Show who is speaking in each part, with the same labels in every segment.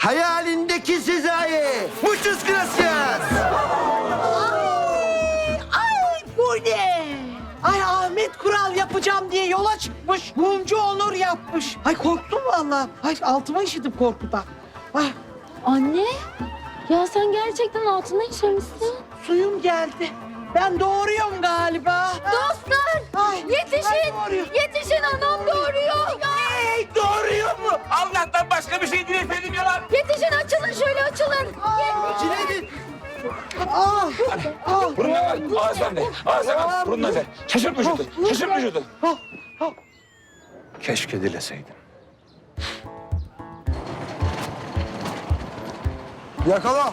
Speaker 1: Hayalindeki Sezai. Muchas gracias.
Speaker 2: Ay bu ne? Ay Ahmet Kural yapacağım diye yola çıkmış. Mumcu Onur yapmış. Ay korktum vallahi. Ay altıma işittim korkudan. Ay
Speaker 3: Anne, ya sen gerçekten altına işemişsin.
Speaker 2: suyum geldi. Ben doğuruyorum galiba.
Speaker 3: Dostlar,
Speaker 2: Ay,
Speaker 3: yetişin,
Speaker 2: ay doğuruyor.
Speaker 3: yetişin anam doğuruyor.
Speaker 2: Hey, doğuruyor mu?
Speaker 4: Allah'tan başka bir şey değil efendim ya lan.
Speaker 3: Yetişin açılın şöyle açılın.
Speaker 1: Cineydin.
Speaker 2: Ah, ah.
Speaker 4: Burundan al. Ağızdan de. Ağızdan al. Burundan de. Şaşırt vücudu. Şaşırt vücudu. Keşke dileseydin.
Speaker 1: Yakala.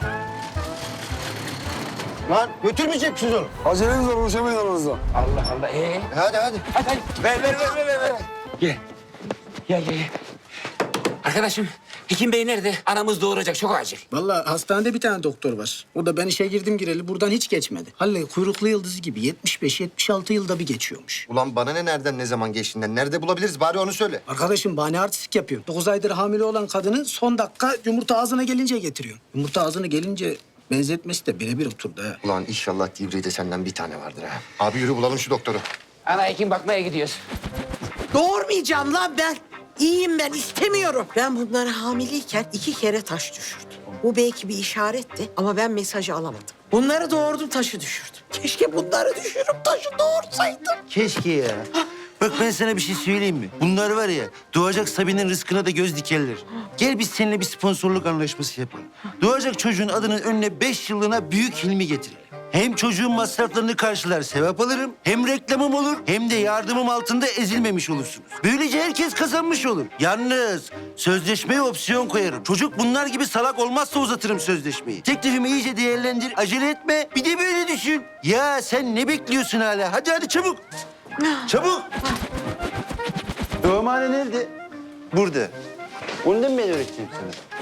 Speaker 1: Lan götürmeyecek misiniz onu?
Speaker 5: Aceleniz var, ulaşamayın aranızda.
Speaker 4: Allah Allah.
Speaker 1: Hadi hadi.
Speaker 4: Hadi hadi. Ver. Gel. Gel. Arkadaşım, Hekim Bey nerede? Anamız doğuracak. Çok acil.
Speaker 6: Vallahi hastanede bir tane doktor var. O da ben işe girdim gireli buradan hiç geçmedi. Halle kuyruklu yıldızı gibi 75-76 yılda bir geçiyormuş.
Speaker 1: Ulan bana ne nereden ne zaman geçtiğinden nerede bulabiliriz bari onu söyle.
Speaker 6: Arkadaşım bahane artistik yapıyor. 9 aydır hamile olan kadını son dakika yumurta ağzına gelince getiriyor. Yumurta ağzına gelince benzetmesi de birebir oturdu ha.
Speaker 1: Ulan inşallah Divri'de senden bir tane vardır ha. Abi yürü bulalım şu doktoru.
Speaker 4: Ana hekim bakmaya gidiyoruz.
Speaker 2: Doğurmayacağım lan ben. İyiyim ben istemiyorum. Ben bunları hamileyken 2 kere taş düşürdüm. Bu belki bir işaretti ama ben mesajı alamadım. Bunları doğurdum taşı düşürdüm. Keşke bunları düşürüp taşı doğursaydım.
Speaker 7: Keşke ya. Bak ben sana bir şey söyleyeyim mi? Bunlar var ya, doğacak Sabine'nin rızkına da göz dikerler. Gel biz seninle bir sponsorluk anlaşması yapalım. Doğacak çocuğun adının önüne 5 yıllığına Büyük Hilmi getirelim. Hem çocuğun masraflarını karşılar, sevap alırım. Hem reklamım olur, hem de yardımım altında ezilmemiş olursunuz. Böylece herkes kazanmış olur. Yalnız sözleşmeye opsiyon koyarım. Çocuk bunlar gibi salak olmazsa uzatırım sözleşmeyi. Teklifimi iyice değerlendir, acele etme. Bir de böyle düşün. Ya sen ne bekliyorsun hala? Hadi çabuk. Çabuk. Doğumhane nerede? Burada. Ondan ben öğreteceğim sana.